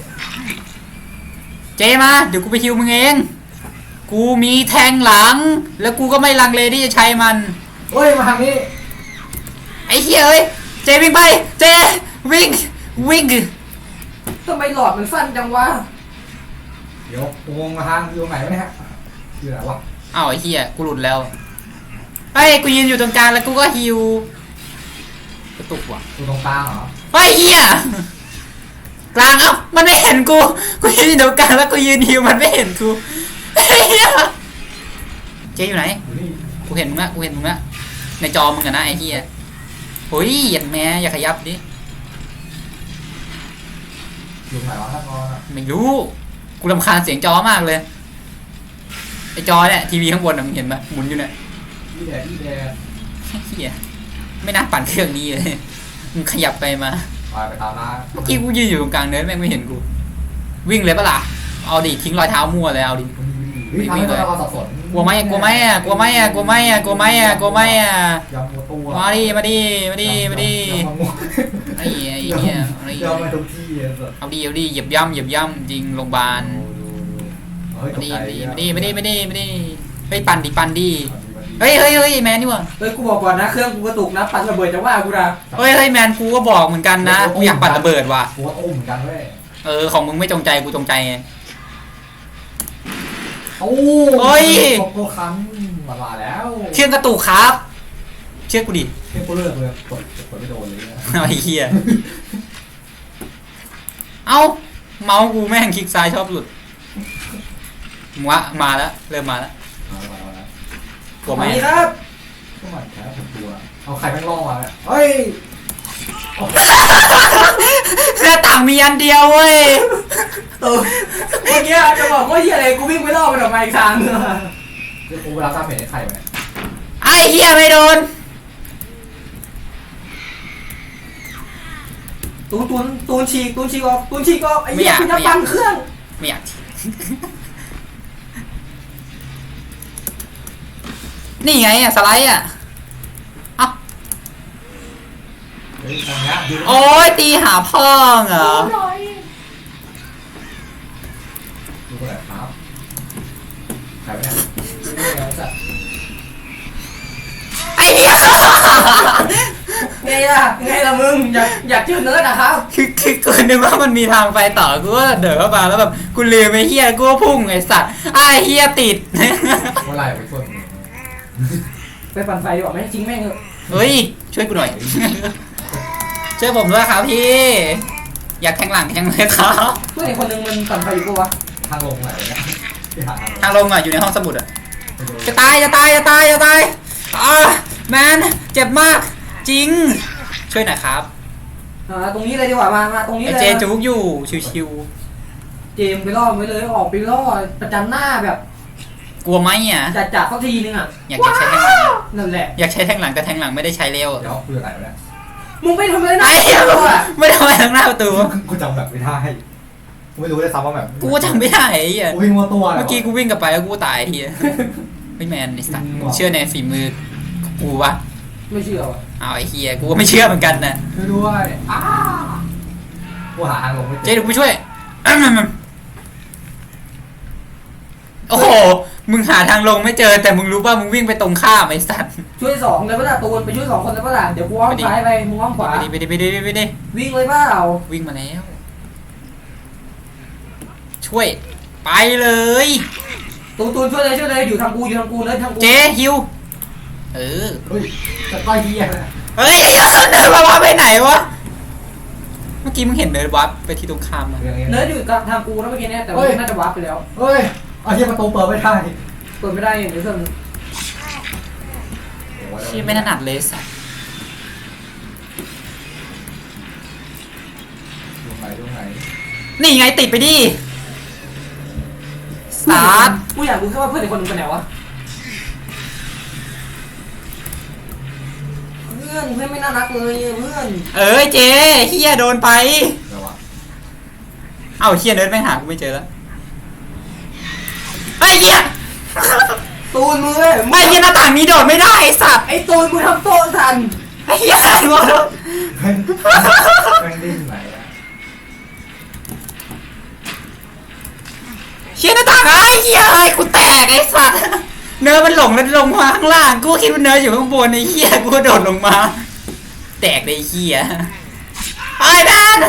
Speaker 1: เจมาเดี๋ยวกูไปฮิวมึงเองกูมีแทงหลังแล้วกูก็ไม่ลังเลที่จะใช้มัน
Speaker 3: เฮ้ยมาทางนี้
Speaker 1: ไอ้เหี้ยเอ้ยเจวิ่งไปเจวิ่ง
Speaker 2: ทำไมหลอดมันสั้นจังวะ
Speaker 3: เดี๋ยวกูงงมาทางอยู่ไหนวะเนี่ยอยู่ไหนวะ
Speaker 1: อ้าวไอ้เหี้ยกูหลุดแล้วเฮ้ยกูยืนอยู่ตรงกลางแล้วกูก็ฮิวกระตุกว่ะ
Speaker 3: อยู่ตรงกลางเหรอ
Speaker 1: เฮ้ยเหี้ยกลางเอ้ามันไม่เห็นกูยืนอยู่ตรงกลางแล้วกูยืนฮิวมันไม่เห็นกูไอ้เหี้ยเจอยู่ไหน
Speaker 3: อยู่นี่
Speaker 1: กูเห็นมึงละในจอมึงอะนะไอ้เหี้ยโอ้ยอย่าแม่อย่าขยับดิ
Speaker 3: อยู่ไหนวะท่านนอนอ่ะ
Speaker 1: ไม่รู้กูรำคาญเสียงจอมากเลยไอ้จอเนี่ยทีวีข้างบนน่ะมึงเห็นไหมหมุนอยู่เนี่ย
Speaker 3: ที่แดด
Speaker 1: เหี้ยไม่น่าปั่นเครื่องนี้เลยมึงขยับไปมา
Speaker 3: ไปตามร้าน
Speaker 1: เมื่อกี้กูยืนอยู่ตรงกลางเนินแม่งไม่เห็นกูวิ่งเลยปะล่ะเอาดิทิ้งรอยเท้ามั่วเลยเอาดิ
Speaker 3: วิ่งทำให้เราสับสน
Speaker 1: กลัวไหมยำหมด
Speaker 3: ตัว
Speaker 1: มาดิไอ้เหี้ยไอ้
Speaker 3: ยำมาทุกที่เลยสุด
Speaker 1: เอาดิเหยียบย่ำจริงโรงพยาบาล
Speaker 3: เฮ้ย
Speaker 1: มาดิเฮ้ยปั่นดิเฮ้ยแมนนี่วะ
Speaker 2: เฮ้ยกูบอกก่อนนะเครื่องกูกระตุกนะปัดระเบิดจะว่ากูนะ
Speaker 1: เฮ้ยแมนกูก็บอกเหมือนกันนะกูอยากปั่นระเบิดว่ะ
Speaker 3: กูก็อุ้มเหมือนกันเว้ย
Speaker 1: ของมึงไม่จงใจกูจงใจไง
Speaker 3: โอ้
Speaker 1: เฮ้ย
Speaker 3: โกคันมาแล้ว
Speaker 1: เชื่อกระตุกครับ เชื่อกูดิ
Speaker 3: เฮ้ยกูเลิกเลยกดไม่โดนเลย
Speaker 1: ไอ้เหี้ยเอ้าเมาส์กูแม่งคลิกซ้ายชอบหลุดมาแล้วเริ่มมาแล้วกลัวไหม
Speaker 2: นี่ครับ
Speaker 3: ก็มันแค่ผมกลัวเอาใครแม่งล่อมาเนี่ยเฮ้ย
Speaker 1: หน้าต่างมีอันเดียวเว้ย
Speaker 2: เมื่อกี้จะบอกว่าที่อะไรกูวิ่งไปรอบมันออกมาอีกทางนึง
Speaker 3: เดี๋ยวกูเวลาตามเพจให้ใครวะเนี่ย
Speaker 1: ไอ้เหี้ยไม่โดน
Speaker 2: ตูนฉีกออกไอ้เหี้ยคุณจะปั่นเครื่อง
Speaker 1: ไม่อยากนี่ไงสไลด์เอ้า
Speaker 3: เฮ้ยตรงเนี้ยดู
Speaker 1: โอ้ยตีหาพ่อเหรอ
Speaker 3: ดูคนไหนครับใครวะเนี่ย
Speaker 1: ไอ้เหี้ย
Speaker 2: ไงล่ะมึงอยากเจอเนื้อนะครับ
Speaker 1: คือกูนึกว่ามันมีทางไปต่อกูก็เดินเข้ามาแล้วแบบกูลืมไอ้เหี้ยกูก็พุ่งไอ้สัตว์ไอ้เหี้ยติด
Speaker 3: เมื่อไหร่ไปช่วยมึง
Speaker 2: ไปปั่นไฟดีกว่าไหมจริงแม่ง
Speaker 1: เฮ้ยช่วยกูหน่อย ช่วยผมด้วยครับพี่ อยากแทงหลังแทงเลยครับ
Speaker 2: เพื่อนอีกคนนึงมันปั่นไฟอยู่ปะวะ
Speaker 3: ทางลงไหนวะเนี่ยที่หา
Speaker 1: ทางลงอยู่ในห้องสมุดจะตายแมนเจ็บมากจริง ช่วยหน่อยครับ
Speaker 2: ตรงนี้เลยดีกว่ามาตรงนี้
Speaker 1: ไอ้
Speaker 2: เลย
Speaker 1: เจจุกอยู่ชิว
Speaker 2: เจมไปล่อไว้เลยออกไปล่อประจันหน้าแบบ
Speaker 1: ๆกลัวไหมอ่ะ
Speaker 2: จัดสักทีนึงอ่ะ
Speaker 1: อยากใช้แทงหลัง
Speaker 2: นั่นแหละ
Speaker 1: อยากใช้แทงหลังแต่แทงหลังไม่ได้ใช้เร็ว
Speaker 3: เดี๋ยวคืออะไรวะเนี่ย
Speaker 2: มึงไปทำอะไรนะ
Speaker 1: ไอ้เหี้ยไม่ได้มาทางหน้าประตู
Speaker 3: กูจำแบบไม่ได้กูไม่รู้เลยซ้ำว่าแบบ
Speaker 1: กูจำไม่ได้ไอ้เหี้ย
Speaker 3: กูวิ่งมัวตัว
Speaker 1: เมื่อกี้กูวิ่งกลับไปแล้วกูตายไอ้เหี้ยไม่แมนไอ้สัตว์เชื่อในฝีมือกูวะ
Speaker 2: ไม่เชื่อว่ะ
Speaker 1: เอาไอ้เหี้ยกูก็ไม่เชื่อเหมือนกันนะ
Speaker 3: ช่วยด้วยกูหาทางลงไม่
Speaker 1: เจ๊เดี๋ยวกูช่วย โอ้โหมึงหาทางลงไม่เจอแต่มึงรู้ป่ะมึงวิ่งไปตรงข้ามไอ้สัตว์
Speaker 2: ช่วย2เลยปะล่ะตูนไปช่วย2คนเลยปะล่ะเดี๋ยวกูอ้อมซ้ายไปมึงอ้อมขวา
Speaker 1: ไปดิ
Speaker 2: วิ่งเลยเปล่า
Speaker 1: วิ่งมาแล้วช่วยไปเลย
Speaker 2: ตูนช่วยเลยอยู่ทางกูเลยทางกู
Speaker 1: เจ๊ฮิวเออ
Speaker 3: เฮ้ยจะต้อยเหี้ยนะ
Speaker 1: เฮ้ยเดินมาไปไหนวะเมื่อกี้มึงเห็นเดินวับไปที่ตรงข้ามอะ
Speaker 2: เนิร์ดอยู่กับทางกูนะเมื่อกี้เนี่ยแต่ว่าน่าจะวาร์ปไปแล้ว
Speaker 3: เฮ้ยเอาเหี้ยประตูเปิดไม่ได้
Speaker 2: เปิดไม่ได้อย่างเดียวเพิ่ม
Speaker 1: ที่ไม่ถนัดเลยสัส
Speaker 3: ดูไหน
Speaker 1: นี่ไงติดไปดิสตาร์ท
Speaker 2: กูอยากรู้แค่ว่าเพื่อนอีกคนนึงไปไหนวะเพื่อนไม่น่ารักเลยเพื่อน
Speaker 1: เอ้ยเจ๊เฮียโดนไป
Speaker 3: เดี๋ยววะ
Speaker 1: เอ้าเฮียเดินไปหากูไม่เจอแล้วไอ้เฮีย
Speaker 2: ตูนมือ
Speaker 1: ไม่เฮียหน้าต่างนี้โดดไม่ได้ไอ้สัตว์
Speaker 2: ไอ้ตูนกูทำโต๊ะทัน
Speaker 1: ไอ้เฮียงง
Speaker 3: แม่งดิ้นไหนอะ
Speaker 1: เฮียหน้าต่างไอ้เฮียไอ้กูแตกไอ้สัตว์เนื้อมันหลงแล้วลงมาข้างล่างกูคิดว่าเนื้ออยู่ข้างบนไอ้เฮียกูก็โดดลงมา แตกเลยไอ้เฮียไอ้แดน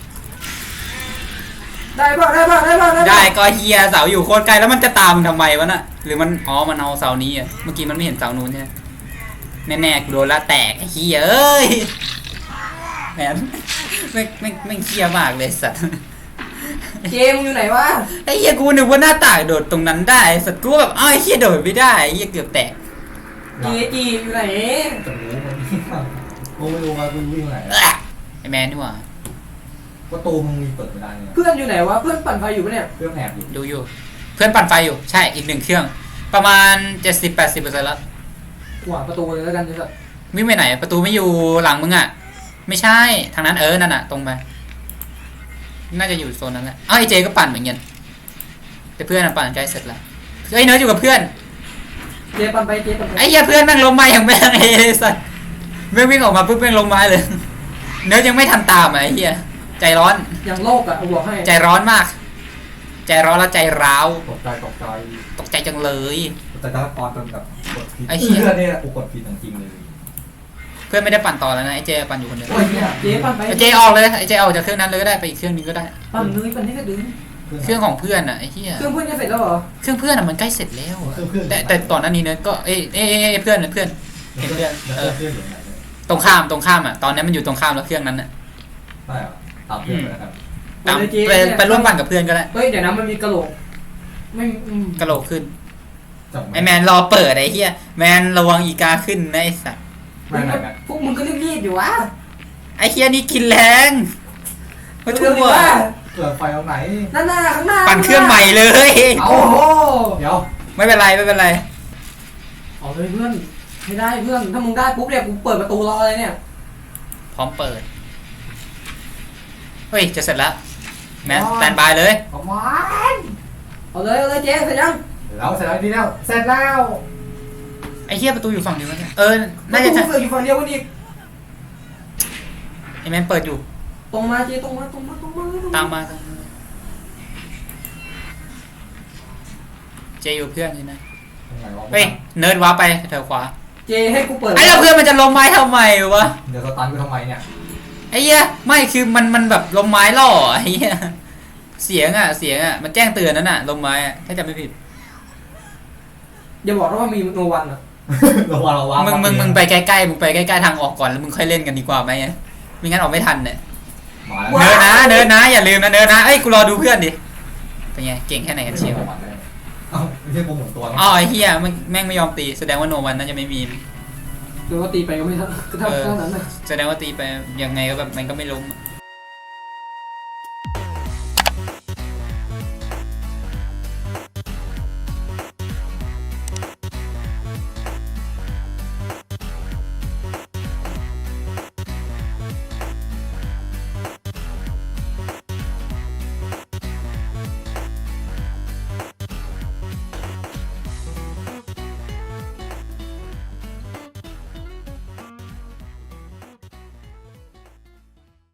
Speaker 2: ได้ป่ะ
Speaker 1: ได้ก็เฮียเสาอยู่โคตรไกลแล้วมันจะตามมึงทำไมวะน่ะหรือมันมันเอาเสานี้อ่ะเมื่อกี้มันไม่เห็นเสานู้นใช่ไหมแน่ๆกูโดนละแตกไอ้เฮียเอ้ยแหมไม่เฮียมากเลยสัตว์
Speaker 2: เจมอยู่ไหนวะ
Speaker 1: ไอ้เฮียกูนึกว่าหน้าต่างโดดตรงนั้นได้สัตว์กูแบบไอ้เฮียโดดไม่ได้ไอ้เฮียเกือบแตก
Speaker 2: จีอยู่ไหน
Speaker 3: จะรู้มันกูไม่รู้ว่ากูวิ่งไหน
Speaker 1: ไอ้แมนนี่หว่า
Speaker 3: ประตูมึงมีเปิดไม่ได้เนี่ย
Speaker 2: เพื่อนอยู่ไหนวะเพื่อนปั่นไฟอยู่ปะเนี่ย
Speaker 3: เครื่องแอบอยู่
Speaker 1: ดูอยู่เพื่อนปั่นไฟอยู่ใช่อีกหนึ่งเครื่อง ประมาณ 70-80%แล้ว
Speaker 2: ขวางประตูเลยแล้วกันจะ
Speaker 1: วิ่งไปไหนประตูไม่อยู่หลังมึงอ่ะไม่ใช่ทางนั้นนั่นน่ะตรงไปน่าจะอยู่โซนนั้นแหละไอ้เจก็ปั่นเหมือนกันแต่เพื่อนปั่นใกล้เสร็จแล้วเฮ้ยเนิร์ดอยู่กับเพื่อน
Speaker 2: เจปั่นไป
Speaker 1: ไอ้เหี้ยเพื่อนแม่งลงมาอย่างแม่งไอ้สัสแม่งวิ่งออกมาปุ๊บแม่งลงมาเลยเนิร์ดยังไม่ทันตามไอ้เหี้ยใจร้อน
Speaker 2: อย่างโลกอ่ะเอาบอกให้
Speaker 1: ใจร้อนมาก ใจร้อนแล้วใจร้าว
Speaker 3: ตกใจ
Speaker 1: ตกใจจังเลย
Speaker 3: แต่ตอนจนแบบกดผิด
Speaker 1: ไอ้เหี้ย
Speaker 3: เนี่ยกูกดผิดจริงๆเลย
Speaker 1: เพื่อนไม่ได้ปั่นต่อแล้วนะไอ้เจปั่นอยู่คนเดียว
Speaker 3: โอ้ยเนี่ย
Speaker 2: เจปั่นไป
Speaker 1: ไอ้เจออกเลยไอ้เจออกจากเครื่องนั้นเลยก็ได้ไปอีกเครื่องนึงก็ได้
Speaker 2: ปั่นเลยปั่นให้กระดึง
Speaker 1: เครื่องของเพื่อนอ่ะไอ้เหี้ย
Speaker 2: เครื่องเพื่อนจะเสร็จแล้วเหรอ
Speaker 1: เครื่องเพื่อนอ่ะมันใกล้เสร็จแล้วอะแต่ตอนนั้นนี้เนิร์ดก็เพื่อนเห็นเพื่อน
Speaker 3: เพื่อนอยู่ไหน
Speaker 1: ตรงข้ามอ่ะตอนนี้มันอยู่ตรงข้ามแล้วเครื่องนั้นอ่ะ
Speaker 3: ได้เหรอตามเพื่อนไปแล้วกัน
Speaker 1: ตามไปร่วมปั่นกับเพื่อนก็ได้
Speaker 2: เฮ้ยเดี๋ยวนะมันมีกระโหลกไม่
Speaker 1: กระโหลกขึ้นไอแมนรอเปิดไอ้เหี้ยแมนระวังอีกาขึ้นนะไอ้สัส
Speaker 3: ไม่
Speaker 2: พวกมึงก็รีบๆอยู่วะ
Speaker 1: ไอ้เหี้ยนี่กินแรงมา
Speaker 2: เร็
Speaker 1: ทั่
Speaker 2: วๆดิ
Speaker 1: ว
Speaker 2: วะ
Speaker 3: เกิดไฟตรงไหน
Speaker 2: นั่นน่ะข้างหน้า
Speaker 1: ปั่นเครื่องใหม่เลย
Speaker 2: โอ้โห
Speaker 3: เดี๋ยว
Speaker 1: ไม่เป็นไรไม่เป็นไร
Speaker 2: เอาเลยเพื่อนไม่ได้เพื่อนถ้ามึงได้ปุ๊บเนี่ยกูเปิดประตูรอเลยเนี่ย
Speaker 1: พร้อมเปิดเฮ้ยจะเสร็จแล้วแมนสแตนบายเลย
Speaker 3: เอามา
Speaker 2: เอาเลยเจ๊เสร็จยัง
Speaker 3: เสร็จแล้วดีแล้วเสร็จแล้ว
Speaker 1: ไอ้เหี้ยประตูอยู่ฝั่งเดียวกันน่า
Speaker 2: ประ
Speaker 1: จะ
Speaker 2: ตูเปิดอยู่ฝั่งเดียวกันอีก
Speaker 1: ไอ้แมนเปิดอยู่
Speaker 2: ตรงมาเจ๊ตรงมา
Speaker 1: ตามมาเจอยู่เพื่อนใช่ไหมเฮ้ยเนิร์ดว้าไปแถวขวา
Speaker 2: เจ๊ให้กูเปิด
Speaker 1: ไอ้แล้วเพื่อนมันจะลงไม้ทำไมวะ
Speaker 3: เดี๋ยวสตันกูทำไมเนี่ย
Speaker 1: ไอ้เหี้ยไม่คือมันแบบลมไม้ล่อไอ้เหี้ยเสียงอ่ะมันแจ้งเตือนนั่นน่ะลมไม้อ่ะถ้าจำไม่ผิด
Speaker 2: อย่าบอกนะว่ามีโนวันอ่ะ
Speaker 3: ระวัง
Speaker 1: มึงไปใกล้ๆมึงไปใกล้ๆทางออกก่อนแล้วมึงค่อยเล่นกันดีกว่าไหมไม่งั้นออกไม่ทันเนี่ย
Speaker 3: มาแล้ว
Speaker 1: เนิร์ดนะอย่าลืมนะเนิร์ดนะเอ้ยกูรอดูเพื่อนดิเป็นไงเก่งแค่ไหนกันเชียว
Speaker 3: เอ้าไม่ใช่โปรโมทตัว
Speaker 1: อ๋อไอ้เหี้ยแม่งไม่ยอมตีแสดงว่าโนวันน่าจะไม่มี
Speaker 2: หรือว่าตีไปก็ไม่เท่านั้นนะ
Speaker 1: แสดงว่าตีไปยังไงก็แบบมันก็ไม่ล้ม
Speaker 2: เ